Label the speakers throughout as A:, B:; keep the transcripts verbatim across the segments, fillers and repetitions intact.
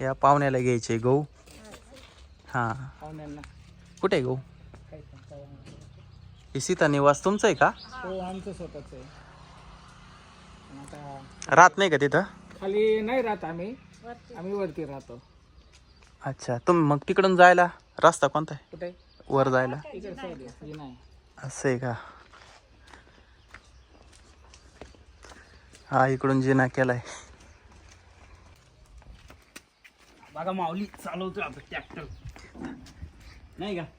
A: या पाहुण्याला घ्यायचे गहू. हा
B: पाहुण्यांना
A: कुठे आहे गहू?
B: काय सांगता येणार नाही.
A: हे सीता निवास तुमचं आहे का?
B: हो आमचं स्वतःच आहे. पण आता
A: राहत नाही का तिथं?
B: खाली नाही राहत आम्ही, आम्ही वरती राहतो.
A: अच्छा तुम्ही मग तिकडून जायला रस्ता कोणता आहे
B: कुठे?
A: वर जायला?
B: इकडे साईड आहे नाही.
A: असं आहे का? हा इकडून जिना केलाय.
C: बघा माऊली चालवतो आता ट्रॅक्टर नाही का?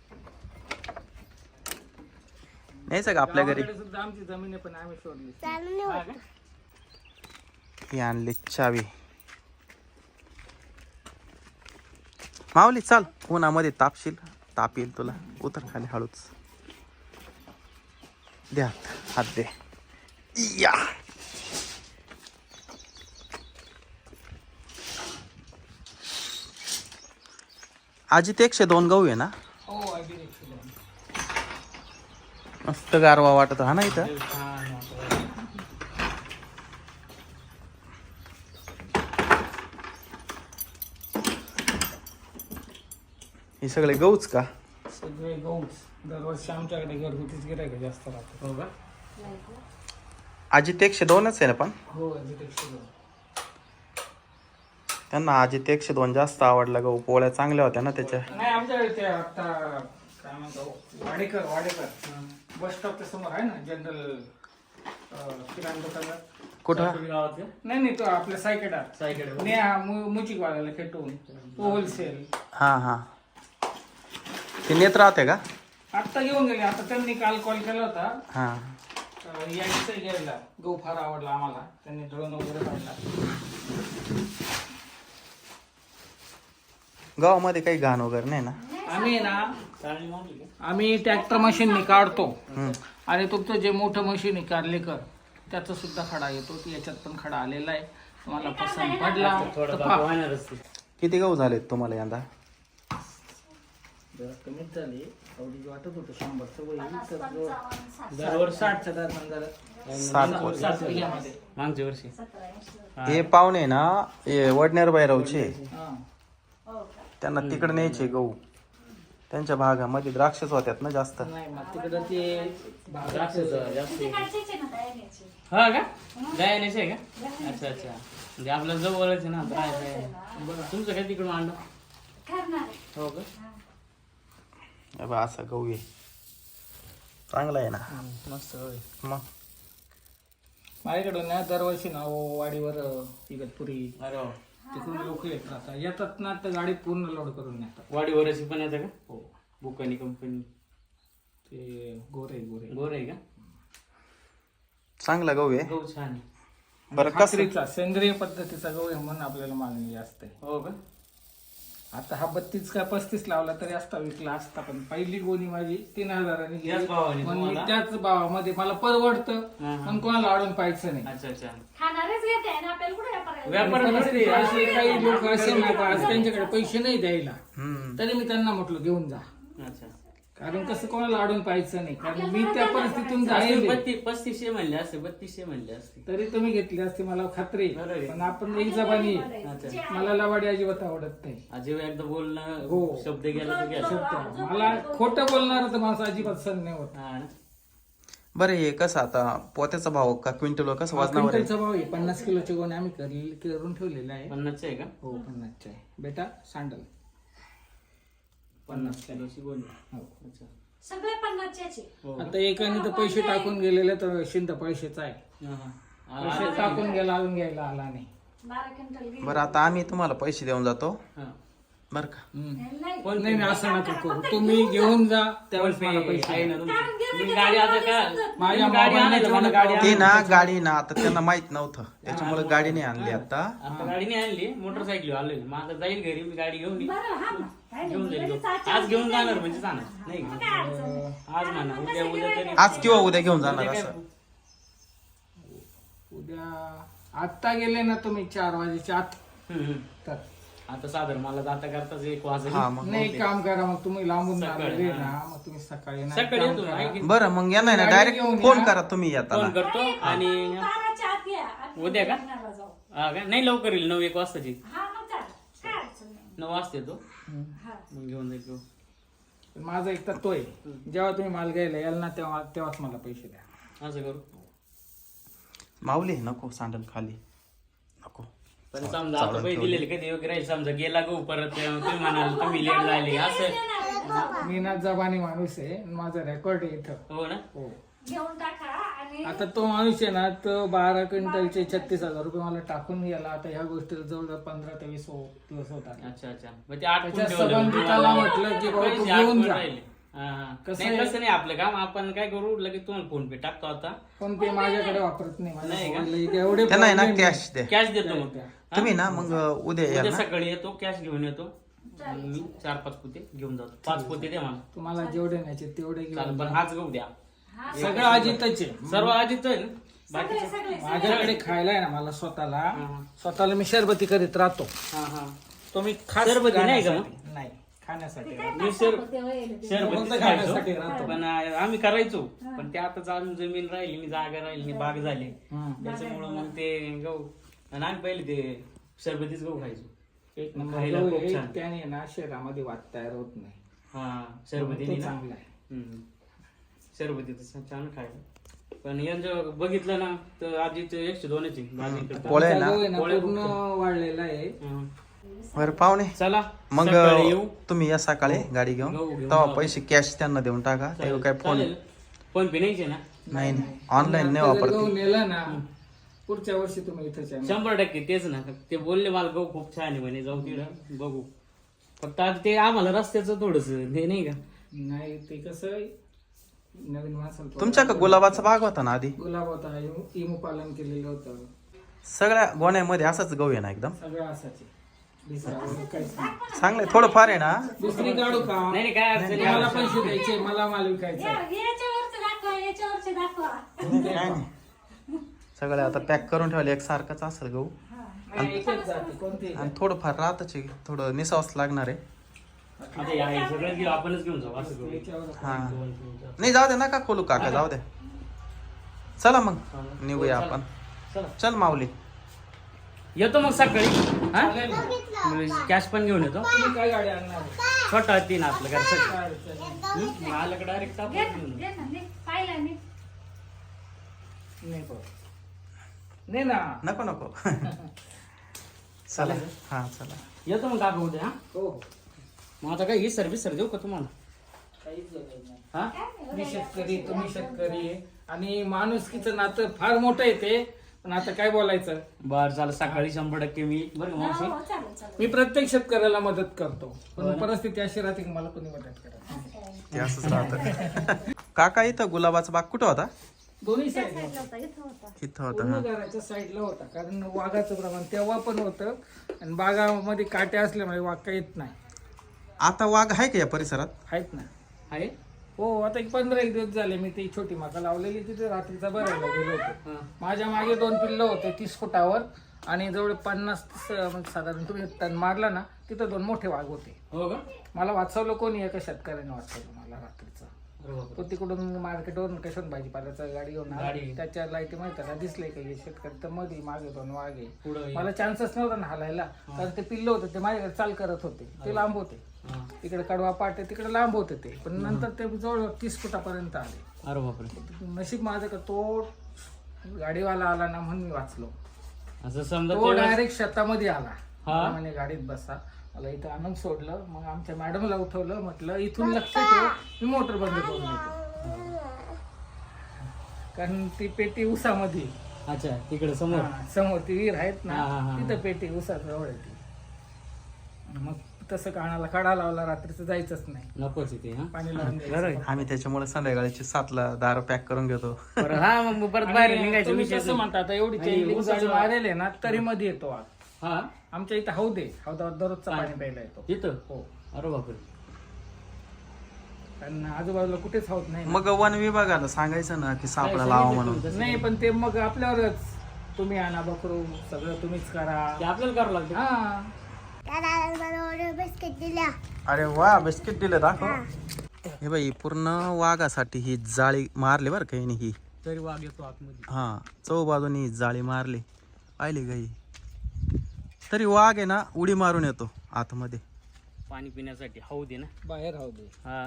A: न्यायचं का आपल्या घरी?
B: गावाकडे सुद्धा आमची जमीन आहे पण आम्ही सोडली.
A: ही आणली चावी. माऊली चाल, उन्हामध्ये तापशील, ताप येईल तुला. उतर खाली हळूच. द्या हात दे. या आजी ते एकशे दोन गहू आहे ना?
B: हो अगदी एकशे दोन.
A: मस्त गारवा वाटत हा ना इथं. हे सगळे गहूच का?
B: सगळे गहूच. दरवर्षी आमच्याकडे घरगुतीच गिरायक जास्त राहतो.
C: हो का?
A: आजी ते एकशे दोनच आहे ना पण?
B: हो अगदी एकशे दोन.
A: त्यांना आजी ते एकशे दोन जास्त आवडला गहू. पोळ्या चांगल्या होत्या ना त्याच्या.
B: नाही आमच्याकडे ते आता काय म्हणतो वाडेकर वाडेकर बस स्टॉपच्या समोर आहे ना जनरल किराणा दुकान.
A: कुठं?
C: गावात का?
B: नाही नाही तो आपल्या सायकडा
C: सायकडे
B: नेहा मुचिक वाल्याला खेटून होलसेल.
A: हा हा ते नेत राहते का?
B: आत्ता घेऊन गेले. आता त्यांनी काल कॉल केला होता
A: हा
B: अं, यायचं घ्यायला. गहू फार आवडला आम्हाला. त्यांनी ड्रोन वगैरे काढला.
A: गावामध्ये काही घाण वगैरे नाही ना?
B: आम्ही ना
C: चाळणी मारली का?
B: आम्ही ट्रॅक्टर मशीनने काढतो
A: हम्म.
B: आणि तुमचं जे मोठं मशीन आहे कारलेकर त्याचा सुद्धा खडा येतो. याच्यात पण खडा आलेला आहे. तुम्हाला पसंत पडला
C: थोडं
B: तर
C: बाकी
B: पहा.
C: वाहणारच ते.
A: किती गहू झालेत तुम्हाला यंदा?
B: जरा कमीच झाली. आवडीची वाटत होतं शंभरचं वय
C: दरवर्षी
B: साठच्या दरम्यान जरा
A: सात
B: सात बिघ्यामध्ये.
C: मागच्या वर्षी
A: हे पाहुणे ना हे वडनेर बायरावचे.
B: हा.
C: त्यांना
A: त्यांना तिकडे न्यायचे गहू. त्यांच्या भागामध्ये द्राक्षच होत्यात ना जास्त.
B: नाही मग तिकडं ते
C: द्राक्षाचं जास्त आहे. हा का? गायनेच आहे का? अच्छा अच्छा. म्हणजे आपल्या जवळच आहे ना राहायचं आहे. तुमचं काय तिकडून आणलं? हो का?
A: हे बघ, असा गहू आहे. चांगला आहे ना
C: मस्त होय.
A: मग.
B: माझ्याकडून ना दरवर्षी ना वाडीवर इगतपुरी
C: अरे वा.
B: तिकडून लोक येत राहतात. येतात ना तर गाडी पूर्ण लोड करून नेतात.
C: वाडी वरची पण येतं का?
B: हो.
C: बुकानी कंपनी
B: ते गोरे गोरे
C: गोर आहे का?
A: चांगला गहू आहे.
C: गहू छान आहे.
A: बरं कसं?
B: खात्रीचा सेंद्रिय पद्धतीचा गहू आहे म्हणून आपल्याला मागणी जास्त आहे.
C: हो का?
B: आता हा बत्तीस का पस्तीस लावला तरी असता विकला असता. पण पहिली गोणी माझी तीन हजारांनी गेली.
C: याच भावाने
B: पण मी
C: तुम्हाला?
B: त्याच भावामध्ये मला परवडतं
C: हा, हा.
B: पण कोणाला अडून पाहायचं नाही.
C: अच्छा अच्छा.
D: खाणारेच घेते आणि आपल्याला कुठे व्यापार
C: व्यापार
B: परिस्थिती अशी काही लोक असे ना का आज त्यांच्याकडे पैसे नाही द्यायला
A: हम्म.
B: तरी मी त्यांना म्हटलं घेऊन जा.
C: अच्छा.
B: कारण कसं कोणाला अडून पाहायचं नाही. कारण मी त्या परिस्थितीतून जाईल
C: बत्तीस पस्तीसशे म्हणले असते बत्तीसशे म्हणले असते.
B: तरी तुम्ही घेतली असते मला खात्री आहे.
C: बरोबर आहे.
B: पण आपण एक जबानी
C: अच्छा.
B: मला लवाडी अजिबात आवडत नाही.
C: जेव्हा एकदा बोलणं
B: हो.
C: शब्द गेला तर गेला.
B: मला खोटं बोलणार तर माझा अजिबात सण नाही होत.
C: हा ना?
A: बरं हे कसं आता पोत्याचा भाव का क्विंटल कसं वजनावर आहे?
B: क्विंटलचा भाव आहे. पन्नास किलोचे गोणे आम्ही कर- करून ठेवलेला आहे.
C: पन्नासचे आहे का?
B: हो पन्नासचे आहे. बेटा सांडल पन्नास किलो.
C: किलोची बोल.
B: हो.
C: अच्छा.
D: सगळे पन्नासचे
C: हो.
B: आता एकाने तर पैसे टाकून गेलेले तर शिंद पैशाचा आहे.
C: हा, हा.
B: पैसे टाकून गेला अजून घ्यायला आला नाही.
D: बारा क्विंटल गेले.
A: बरं आता आम्ही तुम्हाला पैसे देऊन जातो
C: हा.
A: बरं का?
B: हम्म.
D: नाही.
C: फोन
B: नाही नाही असं नका करू. तुम्ही घेऊन जा त्यावेळेस मला पैसे
C: आहे
B: द्या.
C: ना तुमची? मी गाडी आता का
B: माझ्या
C: मी गाडी आणायला मला गाडी
A: ते
C: आणायला.
A: ना गाडी ना आता त्यांना माहित नव्हतं त्याच्यामुळे गाडी नाही आणली आता.
C: आता गाडी नाही आणली मोटरसायकल आलोय. मग आता जाईल घरी मी गाडी घेऊन येईन.
D: बरं हा मग. काय नाही.
C: घेऊन जाईल
D: लगेच
C: घेऊन.
D: आजच्या
C: आज घेऊन
D: दिवशी
C: जाणार
D: जायचं.
C: म्हणजे जाणार नाही
D: मग
C: का?
D: काय अडचण नाही.
C: आज म्हणा उद्या उद्या तरी
A: आज किंवा उद्या घेऊन जाणार
C: उद्या
A: असं.
B: उद्या आत्ता गेले ना तुम्ही चार वाजेच्या आत
C: हम्म, हम्म.
B: तर
C: आता साधारण मला जाता करताच एक वाजले.
A: हा मग
B: नाही काम करा मग तुम्ही लांबून
C: सकाळी,
B: आलेले
C: हा.
B: ना मग तुम्ही सकाळी ना एक
C: सकाळी
B: काम
C: येतो
B: करा.
C: आहे की?
A: बरं मग या नाही ना
B: गाडी
A: डायरेक्ट
B: घेऊन
A: फोन
B: या.
A: करा तुम्ही
C: फोन
A: येताना.
C: करतो आणि
D: बाराच्या आत या. आम्ही
C: उद्या का?
D: लग्नाला जाऊ.
C: हा का? नाही लवकर येईल नऊ एक वाजताची.
D: हा मग चालेल.
C: नऊ वाजता तो
D: हा.
C: मग घेऊन जाईल तो.
B: माझा एक तर तो आहे, जेव्हा तुम्ही माल घ्यायला याल ना तेव्हा तेव्हाच मला पैसे द्या.
C: असं करू.
A: माऊली नको सांडल खाली नको.
C: पण समजा आता पैसे दिलेले कधी योग्य राहील, समजा गेला गहू परत तुम्ही म्हणाल तुम्ही लेट झाले असं.
B: मी ना जबानी माणूस आहे, माझा रेकॉर्ड आहे इथं.
C: हो ना.
B: हो.
D: घेऊन टाका आणि
B: आता तो माणूस आहे ना, तो बारा क्विंटलचे छत्तीस हजार रुपये मला टाकून गेला. आता ह्या गोष्टीला जवळ पंधरा ते वीस हो- दिवस होतात.
C: अच्छा अच्छा मग ते आठ
B: त्याच्या संबंधिताला म्हटलं की बाबा तू घेऊन जा. कसं
C: नाही
B: आहे?
C: तसं नाही आपलं काम. आपण काय करू लगेच तुम्हाला फोन पे टाकतो आता.
B: पण ते माझ्याकडे वापरत नाही. माझ्या
C: नाही का?
B: मोबाईलला एवढे
A: त्यांना आहे ना
B: problem आहे.
A: कॅश द्या.
C: कॅश देतो मग.
A: तुम्ही ना मग उद्या याल
C: उद्या
A: ना.
C: सकाळी येतो कॅश घेऊन येतो. मग मी चार पाच पोते घेऊन जातो. पाच पोते द्या मला.
B: तुम्हाला जेवढे न्यायचे तेवढे
C: चालेल
B: घेऊन
C: पण
B: जा.
C: हाच गहू द्या.
B: सगळं अजितच आहे.
C: सर्व आधीच आहे ना.
D: सगळे सगळे
B: माझ्याकडे खायला आहे ना, मला स्वतःला
C: हा.
B: स्वतःला मी शरबती करीत राहतो.
C: हा हा
B: तो मी खास
C: शरबती नाही का मग?
B: खाण्यासाठी- नाही खाण्यासाठी
C: मी सर
B: फक्त
C: शरबत
B: खाण्यासाठी राहतो.
C: पण आम्ही करायचो पण ते आता चालून जमीन राहिली नाही, जागा राहिली नाही, बाग झाली
B: हम्म.
C: त्याच्यामुळं मग ते गहू आणि आम्ही पहिले ते शरबतीच गहू खायचो.
B: एक
C: खायला
B: नंबर
C: खूप
B: गहू
C: छान.
B: आहे, त्याने ना शरीरामध्ये वाद तयार होत नाही.
C: हा शरबती
B: तो
C: ना.
B: चांगला आहे.
C: हम्म. शरबती तर छान खायला. पण यांचं बघितलं ना तर आधीच एकशे दोनची भाजी करतात.
A: पोळ्या आहे
B: आमचा
A: ना
B: गहू आहे ना
C: पोळ्या
B: पूर्ण वाढलेला आहे.
C: हं.
A: बरं पाहुणे
C: चला
A: मग
C: सकाळी येऊ.
A: तुम्ही या सकाळी गाडी घेऊन
C: गहू घेऊन
A: तेव्हा
C: जाऊ.
A: पैसे कॅश त्यांना देऊन टाका. ते काय फोन
C: चालेल. फोन पे नाहीचे ना.
A: नाही नाही ऑनलाईन नाही
B: आता जर गहू
A: वापरते.
B: नेला ना पुढच्या वर्षी तुम्ही इथंच आहे.
C: शंभर टक्के तेच ना. ते बोलले मला गहू खूप छान आहे म्हणे जाऊ तिकडं बघू. फक्त आता ते आम्हाला रस्त्याचं थोडस हे नाही का.
B: नाही ते कसं आहे, नवीन माणसाला
A: तुमच्या का गुलाबाचा बाग होता ना आधी?
B: गुलाब होता, इमू इमू पालन केलेलं होतं.
A: सगळ्या गोण्यामध्ये असाच गहू आहे ना एकदम
B: सगळं असायचे. दुसरं वगैरे काहीच नाही.
A: चांगलंय. थोडंफार आहे ना.
B: दुसरी काढू का?
C: नाही नाही काय अडचण
B: मला
C: नाही.
B: पैसे द्यायचे, मला माल विकायचा.
D: याच्यावरच दाखवा याच्यावरचे दाखवा.
A: काय नाही. सगळं आता पॅक करून ठेवले एक सारखंच असेल गहू.
B: नाही, एकच जाते कोणती
A: आणि थोडंफार राहतच आहे. थोडं निसावच लागणार आहे.
C: आता हे आहे, सगळं घेऊ आपणच घेऊन जाऊ असं करू.
B: याच्यावर
A: हा नाही जाऊ दे नका खोलू काका जाऊ दे. चला मग निघूया आपण.
C: चला
A: चल माऊली.
C: येतो मग सकाळी. हा
B: चालेल ना.
C: कॅश पण घेऊन येतो.
B: तुम्ही काय गाडी आणणार?
C: छोटा तीन आपलं घरचं.
B: काय अडचण नाही.
C: आलं डायरेक्ट
D: घे ना, घे ना, घे. पाहिलं मी.
B: नाही पाहू. नाही ना.
A: नको नको. चला हा चला.
C: येतो मग काका उद्या. हा
B: हो हो.
C: मग आता काय ही सर्व्हिस सर देऊ का तुम्हाला.
B: काहीच गरज नाही.
C: हा
B: मी शेतकरी, तुम्ही शेतकरी आहे. आणि माणुसकीचं नातं फार मोठं येते. पण आता काय बोलायचं,
C: बर चालेल. सकाळी शंभर टक्के मी बरं का
D: हो,
C: मावशी.
D: हो, चालेल चालेल.
B: मी प्रत्येक शेतकऱ्याला मदत करतो. पण परिस्थिती अशी राहते की मला कोणी मदत करत नाही.
A: ते असंच राहतं. काका इथं गुलाबाचा बाग कुठं होता?
B: दोन्ही साईड
D: साईडला होता, इथं होता.
A: इथं होता
B: पूर्ण
A: हा.
B: घराच्या साईडला होता. कारण वाघाचं प्रमाण तेव्हा पण होतं. आणि बागामध्ये काटे असल्यामुळे वाघ काही येत नाही.
A: आता वाघ आहे का या परिसरात?
B: आहेत ना.
C: आहे.
B: हो आता एक पंधरा एक दिवस झाले मी ती छोटी माका लावलेली तिथे रात्रीचा भरायला गेलो होतो. माझ्या मागे दोन पिल्लं होते तीस फुटावर आणि जवळ पन्नास म्हणजे साधारण तुम्ही टन मारला ना तिथं दोन मोठे वाघ होते.
C: हो का.
B: मला वाचवलं कोणी एका शेतकऱ्याने वाचवलं मला रात्रीचं.
C: अरे बापरे.
B: तो तिकडून मार्केटवरून कशात भाजीपाल्याचं गाडी घेऊन आला.
C: गाडी.
B: त्याच्या लाईटी माहिती का दिसले का हे शेतकरी तर मध्ये मागे दोन वाघ आहे.
C: पुढं
B: मला चान्सच नव्हता ना हालायला कारण ते पिल्लं होते ते माझ्याकडे चाल करत होते. ते लांब होते.
C: हा.
B: तिकडे कडवा पाटे तिकडे लांब होते ते. पण नंतर ते जवळ तीस फुटापर्यंत आले.
C: अरे बापरे.
B: नशीब माझं का तो गाडीवाला आला ना म्हणून मी वाचलो.
C: असं समजा
B: तो
C: तेवढं-
B: डायरेक्ट शेतामध्ये आला.
C: हा.
B: मला म्हणे गाडीत बसा. मला इथं आणून सोडलं. मग आमच्या मॅडमला उठवलं. म्हटलं इथून लक्ष ठेव मी मोटर बंद करून येतो. कारण ती पेटी उसामध्ये.
C: अच्छा तिकडे समोर.
B: हा, समोर ती विहीर आहेत ना
C: हा, हा, हा.
B: तिथं पेटी उसात जवळ आहे ती. मग तसं कानाला कडा लावला रात्रीचं जायचंच नाही.
C: नकोच इथे. हा
B: पाणी लावून
C: बरं
B: द्यायचं.
C: आहे.
A: आम्ही त्याच्यामुळे संध्याकाळची सातला दारू पॅक करून घेतो.
C: बरं हा मग परत बाहेर
B: आणि
C: निघायचं
B: तुम्ही
C: विषय
B: कसं म्हणता आता एवढी
C: आणि
B: चैनली
C: उसाचं-
B: गाडी मारेल आहे ना तरी मध्ये येतो वाघ.
C: हा
B: आमच्या इथं हौद आहे. हौदावर दररोजचा पाणी प्यायला येतो.
C: तिथं.
B: हो
C: अरे बापरे.
B: कारण आजूबाजूला कुठेच हौद नाही ना.
A: मग वन विभागाला सांगायचं ना की सापळा लावा म्हणून.
B: नाही पण ते मग आपल्यावरच तुम्ही आणा बकरू सगळं तुम्हीच करा.
C: ते आपल्याला करावं लागतं.
B: हा
A: अरे वा बिस्किट दिले दाखव. हे बाई पूर्ण वाघासाठी ही जाळी मारली बरं काही ही.
C: तरी वाघ येतो आतमध्ये.
A: हा चौ बाजूनी जाळी मारली पाहिली गाई. तरी वाघ आहे ना उडी मारून येतो आतमध्ये.
C: पाणी पिण्यासाठी हौद आहे ना
B: बाहेर राहू दे.
C: हा.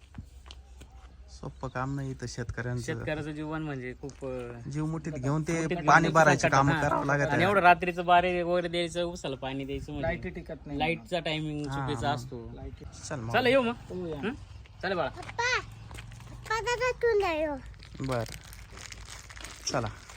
A: सोपं काम नाही इथं शेतकऱ्यांचं.
C: शेतकऱ्याचं जीवन म्हणजे खूप अं,
A: जीव मुठीत घेऊन ते पाणी भरायचे काम
C: हा.
A: करावं लागत
C: आणि
A: आहे.
C: एवढं रात्रीचं बारे वगैरे द्यायचं उसाला पाणी द्यायचं
B: लाईटी
C: म्हणजे
B: टिकत नाही.
C: लाईटचा टायमिंग चुकीचा असतो.
B: लाईटी.
A: चल मग.
C: चला येऊ मग.
B: हो या.
C: हं? चला बाळा.
A: बर चला.